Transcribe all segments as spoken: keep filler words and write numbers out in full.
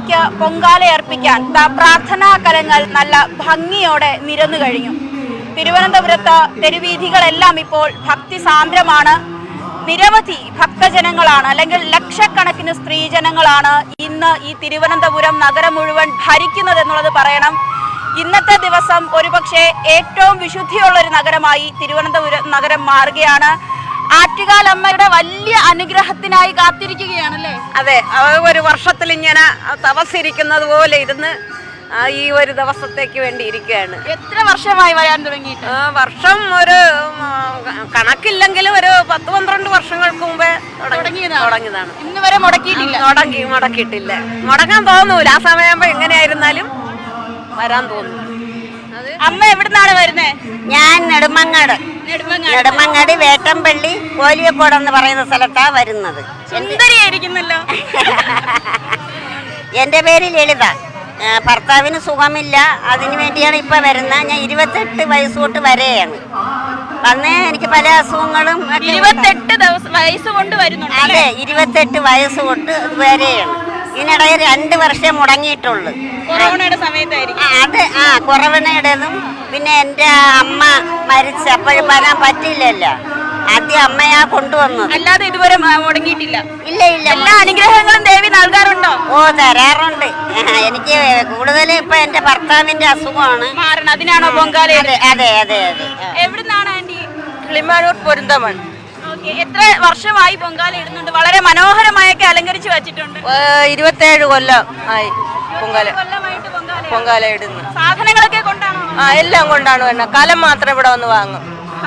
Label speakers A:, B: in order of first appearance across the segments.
A: അമ്മയ്ക്ക് പൊങ്കാലയർപ്പിക്കാൻ പ്രാർത്ഥനാ കലങ്ങൾ നല്ല ഭംഗിയോടെ നിരന്നു കഴിഞ്ഞു. തിരുവനന്തപുരത്ത് തെരുവീഥികളെല്ലാം ഇപ്പോൾ ഭക്തി സാന്ദ്രമാണ്. നിരവധി ഭക്തജനങ്ങളാണ്, അല്ലെങ്കിൽ ലക്ഷക്കണക്കിന് സ്ത്രീജനങ്ങളാണ് ഇന്ന് ഈ തിരുവനന്തപുരം നഗരം മുഴുവൻ ഭരിക്കുന്നത് എന്നുള്ളത് പറയണം. ഇന്നത്തെ ദിവസം ഒരുപക്ഷെ ഏറ്റവും വിശുദ്ധിയുള്ള ഒരു നഗരമായി തിരുവനന്തപുരം നഗരം മാറുകയാണ്. ആറ്റുകാലമ്മയുടെ വലിയ അനുഗ്രഹത്തിനായി കാത്തിരിക്കുകയാണല്ലേ?
B: അതെ, ഒരു വർഷത്തിൽ ഇങ്ങനെ തപസ്സിരിക്കുന്നത് പോലെ ഇരുന്ന് ഈ ഒരു ദിവസത്തേക്ക് വേണ്ടി ഇരിക്കുകയാണ്.
A: എത്ര വർഷമായി വരാൻ തുടങ്ങിയിട്ട്?
B: വർഷം ഒരു കണക്കില്ലെങ്കിലും ഒരു പത്ത് പന്ത്രണ്ട് വർഷങ്ങൾക്ക് മുമ്പേ തുടങ്ങിയതാണ്.
A: ഇന്ന് വരെ മുടക്കിയിട്ടില്ല.
B: മുടങ്ങി മുടക്കിയിട്ടില്ല മുടങ്ങാൻ തോന്നൂല. ആ സമയമാകുമ്പോ എങ്ങനെയായിരുന്നാലും വരാൻ തോന്നും.
A: അമ്മ എവിടുന്നാണ് വരുന്നത്?
C: ഞാൻ നെടുമങ്ങാട് നെടുമങ്ങാട് വേട്ടമ്പള്ളി കോലിയക്കോട് എന്ന് പറയുന്ന സ്ഥലത്താ വരുന്നത്.
A: സുന്ദരിയായിരിക്കുന്നല്ലോ.
C: എൻ്റെ പേര് ലളിത. ഭർത്താവിന് സുഖമില്ല, അതിനു വേണ്ടിയാണ് ഇപ്പൊ വരുന്നത്. ഞാൻ ഇരുപത്തെട്ട് വയസ്സ് തൊട്ട് വരെയാണ് വന്നേ. എനിക്ക് പല അസുഖങ്ങളും
A: ഇരുപത്തെട്ട് ദിവസം വയസ്സ് കൊണ്ട് വരുന്നുണ്ട്.
C: അതെ, ഇരുപത്തെട്ട് വയസ്സ് തൊട്ട് വരെയാണ്. ഇതിനിടയിൽ രണ്ട് വർഷം മുടങ്ങിയിട്ടുള്ളു.
A: കൊറോണയുടെ സമയത്തായിരിക്കും
C: അത്. ആ കൊറോണയുടേതും പിന്നെ എൻ്റെ അമ്മ മരിച്ച അപ്പോഴും വരാൻ പറ്റില്ലല്ലോ. ആദ്യം അമ്മയാ കൊണ്ടുവന്നത്,
A: അല്ലാതെ ഇതുവരെ മുടങ്ങിയിട്ടില്ല.
C: ഇല്ല ഇല്ല.
A: എല്ലാ അനുഗ്രഹങ്ങളും ദേവി നൽകാറുണ്ടോ?
C: ഓ, തരാറുണ്ട്. എനിക്ക് കൂടുതൽ ഇപ്പൊ എന്റെ ഭർത്താവിന്റെ അസുഖമാണ്
A: മാറണം, അതിനാണോ പൊങ്കാല?
C: അതെ അതെ അതെ അതെ.
A: എവിടുന്നാണ് ആന്റി?
B: കിളിമാനൂർ പൊരുന്തമൺ.
A: എത്ര വർഷമായി പൊങ്കാല ഇടുന്നുണ്ട്? വളരെ മനോഹരമായൊക്കെ അലങ്കരിച്ചു വെച്ചിട്ടുണ്ട്.
B: ഇരുപത്തേഴ് കൊല്ലം ആയി പൊങ്കാല പൊങ്കാല ഇടുന്നു.
A: സാധനങ്ങളൊക്കെ കൊണ്ടാണോ?
B: ആ, എല്ലാം കൊണ്ടാണ് വരുന്നത്. കലം മാത്രം ഇവിടെ വന്ന് വാങ്ങും.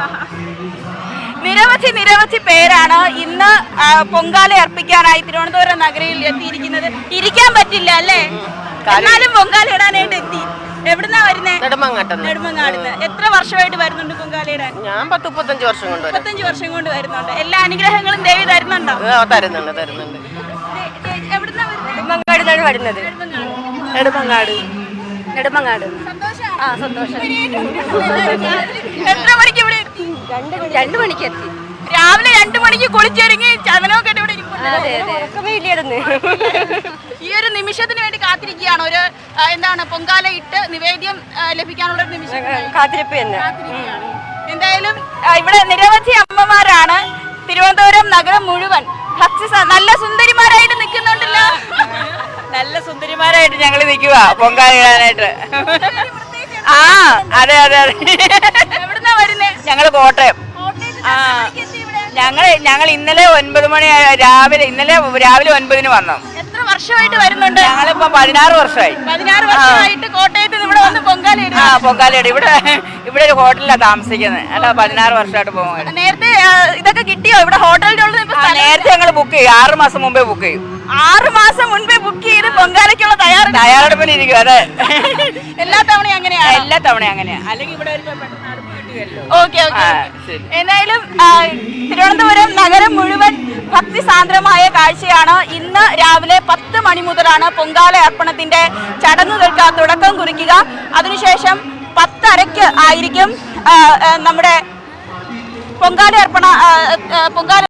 A: നിരവധി നിരവധി പേരാണ് ഇന്ന് പൊങ്കാല അർപ്പിക്കാനായി തിരുവനന്തപുരം നഗരയിൽ എത്തിയിരിക്കുന്നത്. ഇരിക്കാൻ പറ്റില്ല അല്ലേ? എന്നാലും പൊങ്കാല ഇടാനായിട്ട് എത്തി. എവിടുന്നാ വരുന്നത്? നെടുമങ്ങാടുന്ന്. എത്ര വർഷമായിട്ട് വരുന്നുണ്ട് പൊങ്കാല ഇടാൻ?
B: ഞാൻ പത്ത് മുപ്പത്തഞ്ച് വർഷം കൊണ്ട്
A: മുപ്പത്തഞ്ച് വർഷം കൊണ്ട് വരുന്നുണ്ട്. എല്ലാ അനുഗ്രഹങ്ങളും ദേവി തരുന്നുണ്ടോ?
B: തരുന്നുണ്ട് തരുന്നുണ്ട്.
A: എവിടുന്നാ
B: നെടുമങ്ങാടിനാണ് വരുന്നത്. നെടുമങ്ങാട് നെടുമങ്ങാട്.
A: ആ, സന്തോഷം. എത്ര മണിക്ക് ഇവിടെ എത്തി?
B: രണ്ടു മണിക്ക് എത്തി.
A: രാവിലെ രണ്ടു മണിക്ക് കുളിച്ചൊരുങ്ങി ചതനമൊക്കെ ഇവിടെ ഈ ഒരു നിമിഷത്തിന് വേണ്ടി കാത്തിരിക്കുകയാണ്. ഒരു എന്താണ് പൊങ്കാല ഇട്ട് നിവേദ്യം ലഭിക്കാനുള്ള ഒരു നിമിഷം
B: കാത്തിരിപ്പ് തന്നെ.
A: എന്തായാലും ഇവിടെ നിരവധി അമ്മമാരാണ്. തിരുവനന്തപുരം നഗരം മുഴുവൻ ഭക്തി നല്ല സുന്ദരിമാരായിട്ട് നിൽക്കുന്നുണ്ടല്ലോ.
B: നല്ല സുന്ദരിമാരായിട്ട് ഞങ്ങൾ നിൽക്കുക പൊങ്കാല ഇടാനായിട്ട്. ആ, അതെ അതെ അതെ.
A: എവിടുന്നാ വരുന്നേ?
B: ഞങ്ങള് കോട്ടയം. ആ, ഞങ്ങൾ ഞങ്ങൾ ഇന്നലെ ഒൻപത് മണി രാവിലെ ഇന്നലെ രാവിലെ ഒൻപതിന് വന്നു.
A: എത്ര വർഷമായിട്ട് വരുന്നുണ്ട്?
B: ഞങ്ങളിപ്പോ പതിനാറ് വർഷമായി.
A: പതിനാറ് വർഷമായിട്ട് കോട്ടയത്ത് ഇവിടെ വന്ന് പൊങ്കാല ഇടും.
B: ആ, പൊങ്കാല ഇടും. ഇവിടെ ഇവിടെ ഒരു ഹോട്ടലിലാണ് താമസിക്കുന്നത്. അല്ല, പതിനാറ് വർഷമായിട്ട് പോകുന്നത്.
A: നേരത്തെ ഇതൊക്കെ കിട്ടിയോ? ഇവിടെ ഹോട്ടലിലുള്ള
B: നേരത്തെ ഞങ്ങൾ ബുക്ക് ചെയ്യും. ആറ് മാസം മുമ്പേ ബുക്ക് ചെയ്യും.
A: ആറ് മാസം മുൻപേ ബുക്ക് ചെയ്ത് പൊങ്കാലയ്ക്കുള്ള തയ്യാറ
B: തയ്യാറെടുപ്പിനിരിക്കും. അതെ,
A: എല്ലാ തവണയും അങ്ങനെയാണ്.
B: എല്ലാ തവണയും അങ്ങനെയാ. അല്ലെങ്കിൽ ഇവിടെ
A: ഓക്കെ ഓക്കെ. എന്തായാലും തിരുവനന്തപുരം നഗരം മുഴുവൻ ഭക്തി സാന്ദ്രമായ കാഴ്ചയാണ്. ഇന്ന് രാവിലെ പത്ത് മണി മുതലാണ് പൊങ്കാല അർപ്പണത്തിന്റെ ചടങ്ങുകൾക്ക് തുടക്കം കുറിക്കുക. അതിനുശേഷം പത്തരയ്ക്ക് ആയിരിക്കും നമ്മുടെ പൊങ്കാല അർപ്പണ പൊങ്കാല